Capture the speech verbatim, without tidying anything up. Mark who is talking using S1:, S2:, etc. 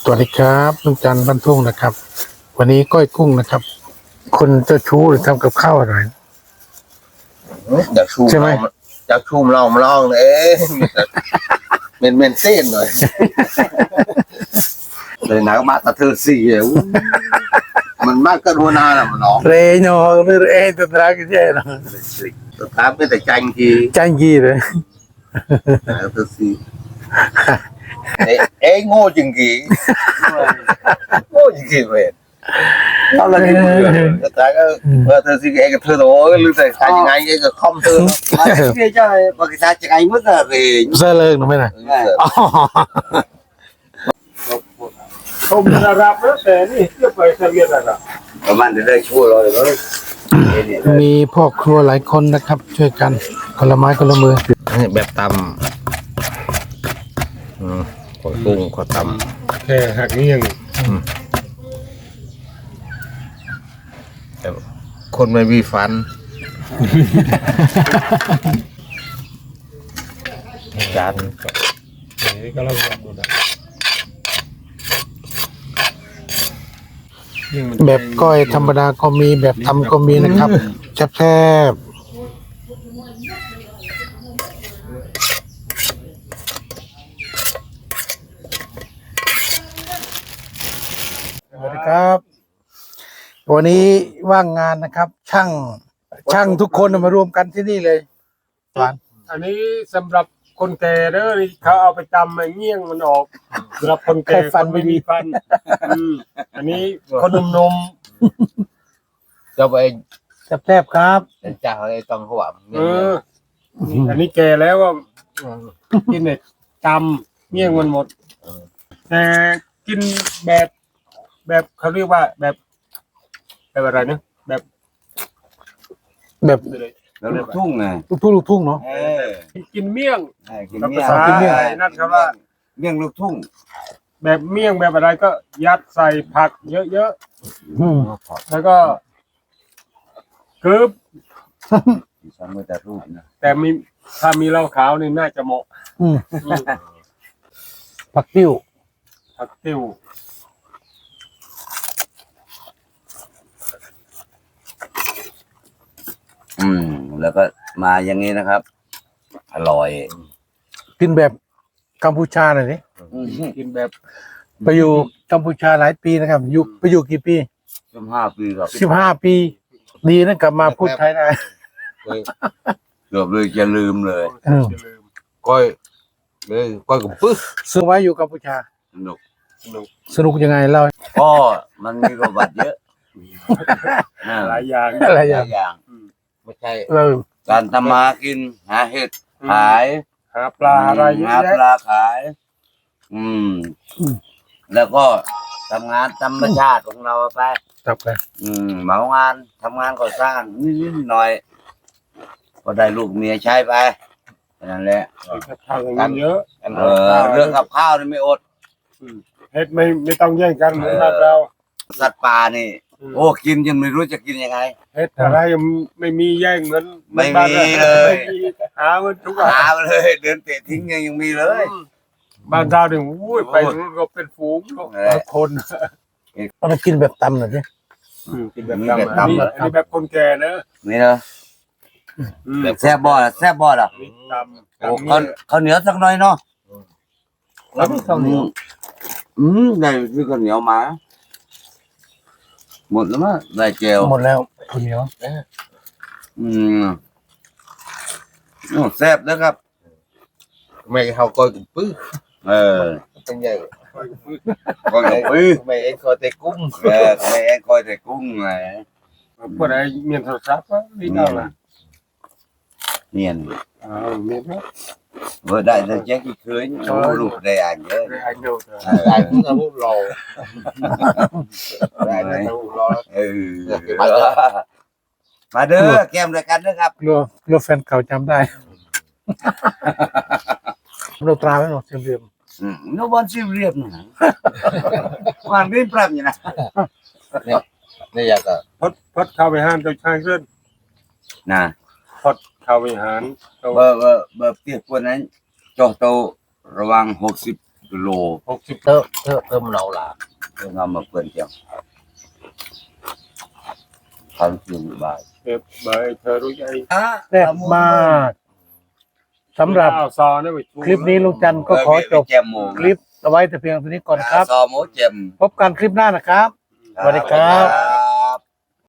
S1: วัสดีครับลุงจันทร์บ้านทุ่งนะครับวันนี้ก้อยกุ้งนะครับคนเจ้าชู้หรือทำกับข้าวอะไร
S2: อยากชูม
S1: ใช่ไหม
S2: เราอยากชูมเรามาลองเลยเมนเมนเต้นหน่อยเลยหนักมากแต่เธอสี่อู้มันมากก็รัวนาละมันน้อง
S1: เรยโน่หรือเอตัวรักแย่เนาะ
S2: สุดท้ายไม่แต่จังที
S1: จังกีเลย
S2: เธอสี่เอ้โง่จริงกีโง่จริงกีเว้ยเอาละนี่สุดท้ายก็เออเธอสี่เอ้ก็เธอโอ้ยลืมแต่ใครยังไงเอ้ก็คอมเธอไม่ใช่บางทีใช้ยังไงมั้งอะเรย
S1: เสื้อเลิกหรือไม่น่ะอ๋อ
S3: ผมจะรับแล้วแต่นี่เทียบไปทะเบียนอะไร
S2: ประมาณจะได้ช่วยเราเลย
S1: มีพ่อครัวหลายคนนะครับ ช่วยกันคนละไม้คนละมือ
S2: แบบตำขอกุ้งขอต
S3: แค่หักนี่ยัง
S2: ำแต่คนไม่มีฟันจาน
S3: นี่ก็เราลองดูนะ
S1: แบบก้อยธรรมดาก็มีแบบทำก็มีนะครับแซ่บๆสวัสดีครับ วันนี้ว่างงานนะครับ ช่างช่างทุกคนมารวมกันที่นี่เลยหวาน
S3: อันนี้สำหรับคนแก่เด้อนี่เขาเอาไปจำไอ้เงี้ยงมันออกสำหรับคนแก่คนไม่มีฟันอืมอันนี้คนหนุ่ม
S2: จะไป
S1: แซ่บๆครับ
S2: จ่าอะไรตอนหัว
S3: ๆเอออันนี้แก่แล้วก็กินเนี่ยจำเงี้ยงมันหมดแต่กินแบบ แบบเขาเรียกว่าแบบแบบอะไรนะแบบ
S1: แบบ
S2: แล้วลูกทุ่งไง
S1: ลูกทุ่งลูกทุ่งเนาะ
S2: เออ
S3: กินเมี่ยง
S2: กิน
S3: กับ
S2: เมี่
S3: ภาย
S2: ง
S3: ษา
S1: กินเมี่ยง
S3: ไอ้นั่นครับว่า
S2: เมี่ยงลูกทุ่ง
S3: แบบเมี่ยงแบบอะไรก็ยัดใส่ผักเยอะ
S1: อืม
S3: ๆแล้วก็กรึบ
S2: สามมือแต่รูปนะ
S3: แต่มีถ้ามีเหล้าขาวนี่น่าจะเหมาะ
S1: อืม
S3: อืม
S1: ผักติ้ว
S3: ผักติ้ว
S2: อืมแล้วก็มาอย่างนี้นะครับ อร่อย
S1: กินแบบกัมพูชาหน่อยดิ
S3: กินแบบ
S1: ไปอยู่กัมพูชาหลายปีนะครับ อยู่ไปอยู่กี่ปี
S2: สิบห้าปีครับ
S1: สิบห้าปี ดีนะกลับมาพูดไทยได้
S2: เกือบเลยจะลืมเลย
S1: อืม
S3: อย่าลืม
S2: ก้อยเลยก้อยกับปึ๊ก
S1: ซื้อไว้อยู่กัมพูชา
S2: สนุก
S3: สนุก
S1: สนุกยังไงเล่า
S2: ก็มันมีประวัติเยอะน่า
S3: หลายอย่าง
S1: อะไร
S2: ห
S1: อย่า
S2: ลาง ยอย่างไม่ใช่
S1: เออ
S2: การทำมากินหาเห็ดขาย
S3: หาปลาอะไรเยอะ
S2: หาป
S3: แยะ
S2: ลาขาย อืม แล้วก็ทำงานธรรมชาติของเราไป
S1: จับไป
S2: อืมเหมางานทำงานก่อสร้างนิดๆหน่อยๆก็ได้ลูกเมียใช้ไปแค่นั้นแหละ
S3: ทางนั้นเยอะ
S2: เออเรื่องกับข้าวนี่ไม่อด
S3: เฮ็ดไม่ไม่ต้องแย่งกันเหมือนบ้านเรา
S2: สัตว์ป่านี่ โอ้กินจนไม่รู้จะกินยังไง
S3: เฮ็ดอะไรไม่มีแย่งเหมือน
S2: ไม่มี
S3: บ้านรา
S2: เลย
S3: ไม่มีหามันทุกอย่าง
S2: หาไปเลย เดินเตะทิ้งยังยังมีเลย
S3: บ้านเราเนี่ยอุ้ยไปนู้นก็เป็นฝูงก็
S2: เออ
S3: คน
S1: เอามากินแบบตำหน่อยดิ
S3: อืมกินแบบ
S2: มี
S3: ตำ
S2: แบบ
S3: อัน
S2: ตำ
S3: นี้
S2: เหรอ
S3: อันนี้แบบคนแก่เนอะ
S2: นี่เนาะ
S3: อืม
S2: แซ่บบอดแซ่บบอดอ่ะ
S3: นี่ตำ
S2: โอ้
S3: ตำ
S2: ข้าว
S3: นี่
S2: ข้าวเหนียวสักหน่อยเนาะ
S1: แล้วมีข้าวเหนียว
S2: อืมได้ซื้อข้าวเหนียวมา หมดแล้วมั้งได้เจล
S1: หมดแล้วข้าวเหนียว
S2: อืมโอ้แซ่บนะครับ
S4: ไม่เขาก้อยกับปื้อ
S2: เออ
S4: เป็นใหญ่
S2: ก็กับปื้อ
S4: ไม่เอ็นคอเตะกุ้ง
S2: เออไม่แองก้อยแต่กุ้งไง
S3: พวกไหนเมียนโทรศัพท์วะนี่เอาละ
S2: เนียน
S3: อ้าวเมียนวะ
S2: vừa đại là chắc cái cưới nó lụt đầy ảnh chứ
S3: ได้อันเดียวเถอะ
S4: đại cũng là hút lò đại là hút lò
S2: ừ mà đưa kem rồi cắn nước gặp
S1: กลัวกลัวแฟนเก่าจำได้ เราตราไว้หน่อยเรียม
S2: ừ, nó bon siêu riệp nữa hoàn nguyên phẩm như này
S4: นี่อยากอะ
S3: พดพดเข้าไปห้ามเจ้าชายขึ้น
S2: nè
S3: พดเข้าไปหารเอา
S2: bờ bờ bờ tiệc quân ấy cho tàuระวังหกสิบโล
S3: หกสิบ
S2: เตอะเตอะเตอะมันเอาล่ะเอองามมาเปิ่นจังทำอยู่บ่าย
S3: เก็บใบเธอรู้ใจ
S2: อ่ะ
S1: แซ่บมากสำหรับ
S3: ข้าวซอนะไปชู
S1: คลิปนี้ลุงจันทร์ก็ขอจบ
S2: แจมหมู
S1: คลิปเอาไว้แต่เพียงเท่านี้ก่อนนะครับ
S2: ซอหมูแจม
S1: พบกันคลิปหน้านะครับ สวัสดีครับ